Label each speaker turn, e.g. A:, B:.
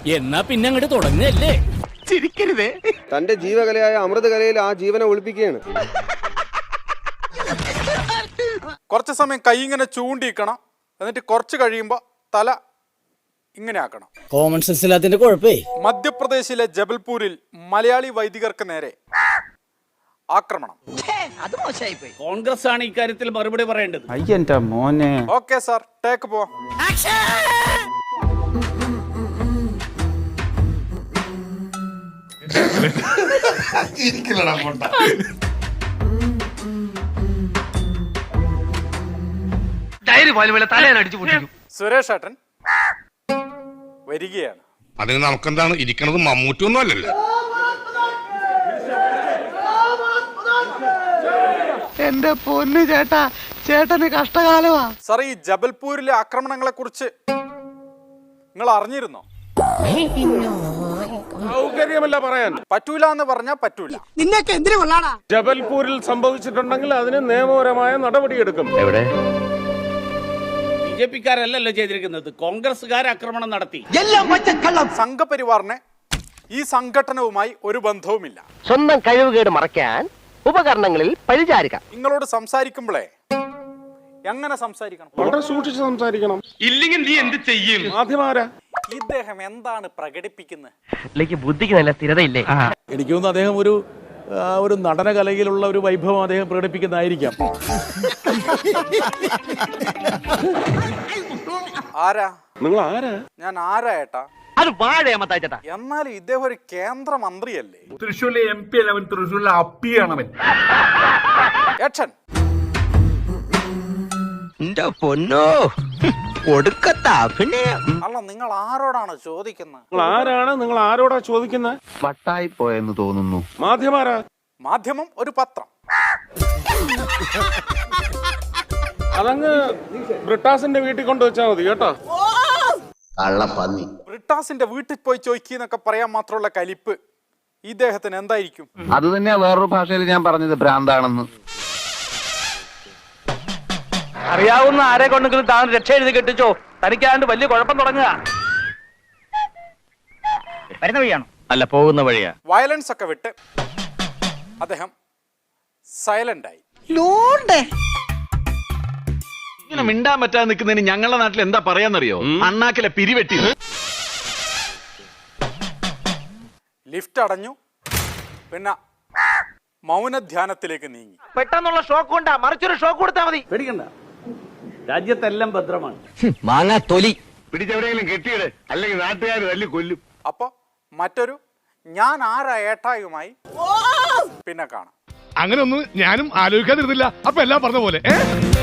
A: എന്നാ പിന്നെ അങ്ങോട്ട് തുടങ്ങല്ലേ. ചിരിക്കരുതേ.
B: തന്റെ ജീവകലയായ അമൃതകലയിൽ ആ ജീവനെ ഒളിപ്പിക്കുകയാണ്.
C: കുറച്ച് സമയം കൈ ഇങ്ങനെ ചൂണ്ടിക്കണം, എന്നിട്ട് കുറച്ച് കഴിയുമ്പോൾ തല ഇങ്ങനെ ആക്കണം.
A: കോമൺ സെൻസ് ഇല്ലാത്തതിന്റെ കുഴപ്പേ.
C: മധ്യപ്രദേശിലെ ജബൽപൂരിൽ മലയാളി വൈദികർക്ക് നേരെ ആക്രമണം.
A: കോൺഗ്രസ് ആണ് ഇക്കാര്യത്തിൽ മറുപടി പറയേണ്ടത്.
D: അയ്യന്റെ മോനെ.
C: ഓക്കെ സാർ, ടേക്ക് പോവാം. സുരേഷ് ഏട്ടൻ വരികയാണ്.
E: അതിന് നമുക്കെന്താണ് ഇരിക്കണത്? മമ്മൂറ്റൊന്നും അല്ലല്ലോ.
F: എന്റെ പൊന്നു ചേട്ടാ, ചേട്ടന് കഷ്ടകാലമാ.
C: സാർ, ഈ ജബൽപൂരിലെ ആക്രമണങ്ങളെ കുറിച്ച് നിങ്ങൾ അറിഞ്ഞിരുന്നോ?
B: സൗകര്യമല്ല പറയാൻ.
C: പറ്റൂല എന്ന് പറഞ്ഞാൽ പറ്റൂല.
F: നിന്നൊക്കെ എന്തിനു കൊള്ളാടാ?
B: ജബൽപൂരിൽ സംഭവിച്ചിട്ടുണ്ടെങ്കിൽ അതിന് നിയമപരമായ നടപടിയെടുക്കും.
D: എവിടെ?
A: ബിജെപിക്കാരല്ലല്ലോ ചെയ്തിരിക്കുന്നത്, കോൺഗ്രസ്സുകാർ ആക്രമണം നടത്തി.
F: എല്ലാം പച്ചക്കള്ളം.
C: സംഘപരിവാറിന് ഈ സംഘടനവുമായി ഒരു ബന്ധവുമില്ല.
G: സ്വന്തം കഴിവുകേട് മറയ്ക്കാൻ ഉപകരണങ്ങളിൽ പരിചാരിക.
C: നിങ്ങളോട് സംസാരിക്കുമ്പോഴേ എങ്ങനെ സംസാരിക്കണം?
B: വളരെ സൂക്ഷിച്ച് സംസാരിക്കണം.
E: ഇല്ലെങ്കിൽ നീ എന്ത് ചെയ്യും?
B: മാധ്യമാരാ
C: ഇദ്ദേഹം എന്താണ് പ്രകടിപ്പിക്കുന്നത്?
G: ബുദ്ധിക്ക് നല്ല സ്ഥിരതയില്ലേ?
H: എനിക്ക് തോന്നുന്നു അദ്ദേഹം ഒരു നടനകലയിലുള്ള ഒരു വൈഭവം അദ്ദേഹം പ്രകടിപ്പിക്കുന്നതായിരിക്കാം.
C: ആരാ
B: നിങ്ങൾ ആരാ?
C: ഞാൻ ആരാ ഏട്ടാ?
G: അത് വാഴയമ്മത്താ ചേട്ടാ.
C: എന്നാലും ഇദ്ദേഹം ഒരു കേന്ദ്രമന്ത്രിയല്ലേ?
E: തൃശ്ശൂരിലെ MP അല്ല അവൻ, തൃശ്ശൂരിലെ അപ്പിയാണ് അവൻ.
C: ഏട്ടൻ
G: പൊന്നോ ഒടുക്കത്താ. പിന്നെ
C: അല്ല, നിങ്ങൾ ആരോടാണ് ചോദിക്കുന്നത്?
B: നിങ്ങൾ ആരാണ്? നിങ്ങൾ ആരോടാ ചോദിക്കുന്നത്?
D: വട്ടായി പോയെന്ന് തോന്നുന്നു.
B: മാധ്യമാരാ?
C: മാധ്യമം ഒരു പത്രം.
B: അതങ്ങ് ബ്രിട്ടാസിന്റെ വീട്ടിൽ കൊണ്ടുവച്ചാൽ മതി കേട്ടോ.
C: ബ്രിട്ടാസിന്റെ വീട്ടിൽ പോയി ചോദിക്കുന്നൊക്കെ പറയാൻ മാത്രമുള്ള കലിപ്പ് ഇദ്ദേഹത്തിന് എന്തായിരിക്കും?
D: അത് തന്നെയാ വേറൊരു ഭാഷയിൽ ഞാൻ പറഞ്ഞത്, ഭ്രാന്താണെന്ന്.
G: അറിയാവുന്ന ആരെ കൊണ്ടെങ്കിലും താൻ രക്ഷ എഴുതി കെട്ടിച്ചോ. തനിക്കാണ്ട് വലിയ കുഴപ്പം തുടങ്ങുക. വരുന്ന വഴിയാണോ? അല്ല, പോകുന്ന വഴിയാ.
C: വയലൻസ് ഒക്കെ വിട്ട് അദ്ദേഹം സൈലന്റ് ആയി.
E: ഇങ്ങനെ മിണ്ടാൻ പറ്റാതെ നിൽക്കുന്നതിന് ഞങ്ങളുടെ നാട്ടിൽ എന്താ പറയാന്നറിയോ? അണ്ണാക്കിലെ പിരിവെട്ടി.
C: ലിഫ്റ്റ് അടഞ്ഞു. പിന്നെ മൗനധ്യാനത്തിലേക്ക് നീങ്ങി.
G: പെട്ടെന്നുള്ള ഷോക്ക് കൊണ്ടാ, മറിച്ചൊരു ഷോക്ക് കൊടുത്താൽ മതി.
A: പേടിക്കണ്ട, രാജ്യത്തെല്ലാം ഭദ്രമാണ്.
G: മാങ്ങാ തൊലി
E: പിടിച്ചെവിടെയെങ്കിലും കെട്ടിയിട്, അല്ലെങ്കിൽ നാട്ടുകാർ തല്ലി കൊല്ലും.
C: അപ്പൊ മറ്റൊരു ഞാൻ ആരാ ഏട്ടായുമായി പിന്നെ കാണാം.
E: അങ്ങനെ ഒന്നും ഞാനും ആലോചിക്കാതിരുന്നില്ല. അപ്പൊ എല്ലാം പറഞ്ഞ പോലെ